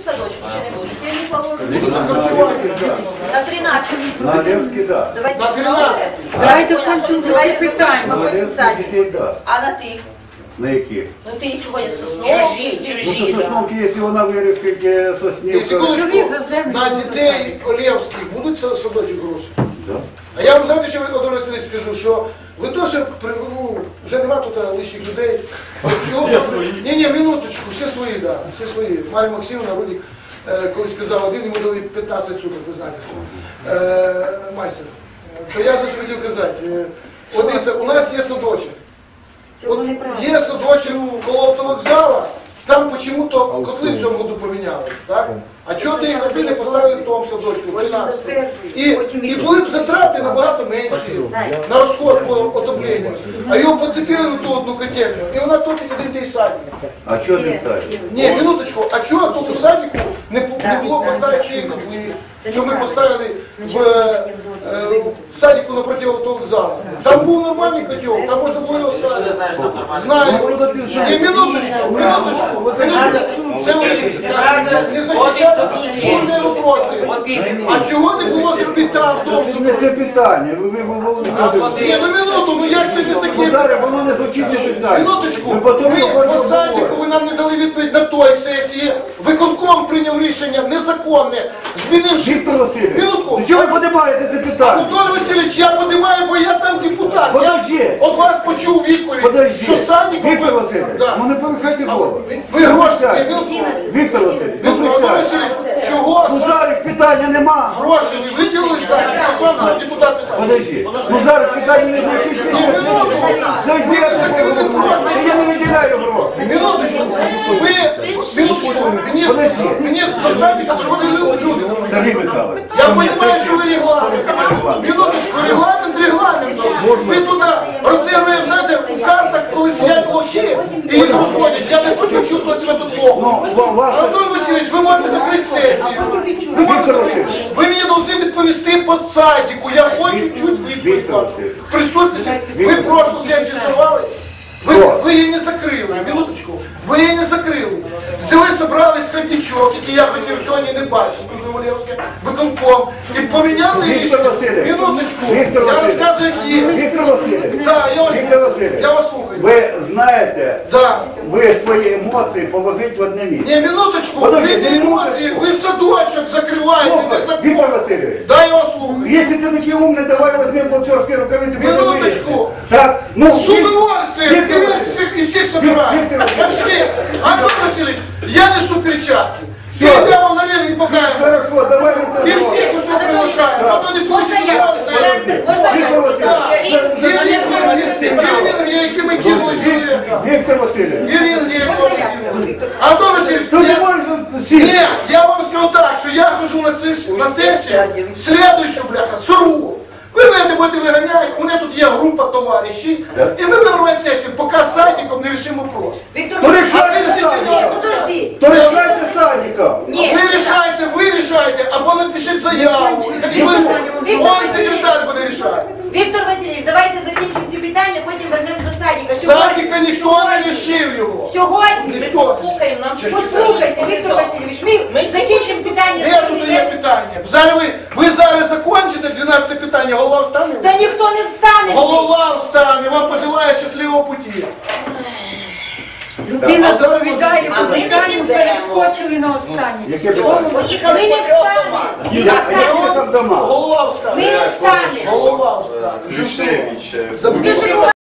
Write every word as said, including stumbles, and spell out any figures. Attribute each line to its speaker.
Speaker 1: садочку чи не будуть?
Speaker 2: На тринадцять.
Speaker 3: На Левський, так.
Speaker 2: Давайте
Speaker 1: На тринадцять.
Speaker 2: Давайте включимо це питання.
Speaker 3: На Левський дітей, так.
Speaker 1: А на тих?
Speaker 3: На які?
Speaker 1: Ну ти їх ходять з Сосновки, з
Speaker 3: Ну, то
Speaker 1: Дівчина.
Speaker 3: Сосновки, якщо вона вирішить Соснівка.
Speaker 4: Секундочку, на дітей Олєвських будуть садочок гроші?
Speaker 3: Да.
Speaker 4: А я вам знаєте, що Володимир Васильович скажу, що ви теж, ну, вже нема тут лишніх людей. Чого? Ні, ні, минуточку, всі свої, так, да, всі свої. Марія Максимовна, Рудик, е, колись сказав, один йому дали п'ятнадцять суток, ви знаєте. Е, майстер, то я ж хотів казати, е, от дивіться, у нас є садочок. От є садочок коло автовокзала, там почему-то котли в цьому году поміняли, так? А чого ти їх не поставили в тому садочку, тринадцятому? І, і були б затрати набагато менші на розход по отопленню. А його поцепили на ту одну котельню, і вона топить один той садик.
Speaker 3: А що не ставить?
Speaker 4: Ні, минуточку, а чого тут у садику не, не було поставити ті котли, що ми поставили в, е, в садику напроти автовокзалу? Там був нормальний котел, там можна було його ставити. Знаю. Ні, минуточку, минуточку, минуточку. Це ви не захищаєте жодні вопроси. А чого не було зробити там, в тому
Speaker 3: Це не це питання. Ви ви ви
Speaker 4: Ні, ну минуту, ну як це не таке?
Speaker 3: Зараз воно не звучить не питання.
Speaker 4: Минуточку,
Speaker 3: Ви потім
Speaker 4: ви
Speaker 3: говорите,
Speaker 4: по садику, ви нам не дали відповідь на той сесії. Виконком прийняв рішення незаконне, змінивши...
Speaker 3: Віктор Васильович,
Speaker 4: Минутку.
Speaker 3: ну чого ви подимаєте це питання?
Speaker 4: Анатолій Васильович, я подимаю, бо я там депутат.
Speaker 3: Подожди.
Speaker 4: Я от вас почув відповідь,
Speaker 3: Подожди.
Speaker 4: що садику...
Speaker 3: Віктор
Speaker 4: ви-
Speaker 3: Васильович,
Speaker 4: Да.
Speaker 3: ну не повихайте
Speaker 4: А
Speaker 3: голову.
Speaker 4: ви- Ви гроші, ні, минутку.
Speaker 3: Віктор Васильович, не
Speaker 4: Анатолій
Speaker 3: прощайте.
Speaker 4: Васильович, чого
Speaker 3: Ну
Speaker 4: сад-
Speaker 3: зараз питання нема.
Speaker 4: гроші ви виділили садик? Я з вами депутат питав.
Speaker 3: Подожди. Ну зараз питання не звучить.
Speaker 4: Ні, минутку.
Speaker 3: Зайди,
Speaker 4: Ви не закрили гроші.
Speaker 3: я не виділяю гроші.
Speaker 4: Минуточку, ви, минуточку, мені, мені з садика приходили люди.
Speaker 3: Сергій Михайлович.
Speaker 4: Я понимаю, що ви регламент. Минуточку, регламент регламентом. Ви туди розігруємо, знаєте, у картах, коли сидять лохи і їх розводять. Я не хочу чувствувати себе тут плохо.
Speaker 3: Ну, вас...
Speaker 4: Анатолій Васильович, ви можете закрити сесію. Ви можете закрити. Ви мені повинні відповісти по садику. Я хочу чуть відповідь вашу. Присутність. Ви просто сесію сорвали. Ви, ви її не закрили, минуточку, ви її не закрили. Взяли, собрались ходничок, який я хотів сьогодні не бачив, дуже Олєвське, виконком, і поміняли
Speaker 3: Віктор
Speaker 4: рішення.
Speaker 3: Васильович.
Speaker 4: Минуточку,
Speaker 3: Віктор
Speaker 4: я
Speaker 3: Васильович.
Speaker 4: розказую, як є.
Speaker 3: Віктор Васильович.
Speaker 4: Да, я вас,
Speaker 3: Віктор Васильович.
Speaker 4: я вас слухаю.
Speaker 3: Ви знаєте,
Speaker 4: Да.
Speaker 3: ви свої емоції положіть в одне місце.
Speaker 4: Ні, минуточку,
Speaker 3: Подожди,
Speaker 4: ви не
Speaker 3: не
Speaker 4: емоції, ви садочок закриваєте, не
Speaker 3: Слухай,
Speaker 4: закон.
Speaker 3: Віктор Васильович.
Speaker 4: Да, я вас слухаю.
Speaker 3: Если ты такие умный, давай возьмем боксерские рукавицы.
Speaker 4: Минуточку.
Speaker 3: Так, ну...
Speaker 4: С удовольствием,
Speaker 3: Віктор
Speaker 4: и
Speaker 3: Васильович.
Speaker 4: всех, и всех собираем.
Speaker 3: Віктор Васильович.
Speaker 4: Пошли. Антон Васильевич, я несу перчатки.
Speaker 3: Всё.
Speaker 4: Я тебя вам на не покажу.
Speaker 3: Хорошо, давай мы...
Speaker 4: И всех уже приглашаем. А то не
Speaker 1: Можна
Speaker 4: получится.
Speaker 1: я? Можна
Speaker 3: Віктор
Speaker 1: я?
Speaker 3: Васильович.
Speaker 4: Ирина, яким кинули человека.
Speaker 3: Виктор Васильевич.
Speaker 4: Ирина,
Speaker 1: Можна я скажу, Віктор?
Speaker 4: Антон Васильевич,
Speaker 3: Ну не
Speaker 4: я...
Speaker 3: можешь сесть.
Speaker 4: Нет, я вам скажу так, что я хожу на сессию, на сессию, следующую, бляха, сорву. Ви мене будете виганяти, у мене тут є група товаришів, і ми будемо робити сесію, поки з садиком не рішимо вопрос.
Speaker 1: Віктор
Speaker 3: Ну
Speaker 1: Васильович,
Speaker 3: решайте
Speaker 4: А ви
Speaker 3: садика.
Speaker 1: подожди.
Speaker 3: То решайте садика.
Speaker 1: Ні.
Speaker 4: Ви рішайте, ви рішайте, або напишіть заяву. І ви, он секретар буде рішати.
Speaker 1: Віктор Васильович, давайте закінчимо ці питання, потім вернемо до садика.
Speaker 4: Садика ніхто не рішив його.
Speaker 1: Сьогодні ми
Speaker 4: Ніхто.
Speaker 1: послухаємо, нам послухайте, Віктор Васильович, ми закінчимо питання.
Speaker 4: Де тут є питання? Зараз ви, ви зараз закінчите дванадцяте питання, голова встане?
Speaker 1: Та ніхто не встане.
Speaker 4: Голова встане, вам пожелаю щасливого путі.
Speaker 2: Людина
Speaker 4: А зараз
Speaker 2: відповідає
Speaker 1: А
Speaker 2: по
Speaker 1: ми не
Speaker 2: питанню,
Speaker 1: підемо.
Speaker 2: перескочили на останнє.
Speaker 3: Яке питання?
Speaker 1: Поїхали, ви не встане. Ви не
Speaker 3: Я
Speaker 1: встане.
Speaker 3: там дома.
Speaker 4: Голова встане.
Speaker 1: Ви не встане.
Speaker 4: Голова встане.
Speaker 5: Ключевич.
Speaker 4: Забудьте.
Speaker 1: Ти ж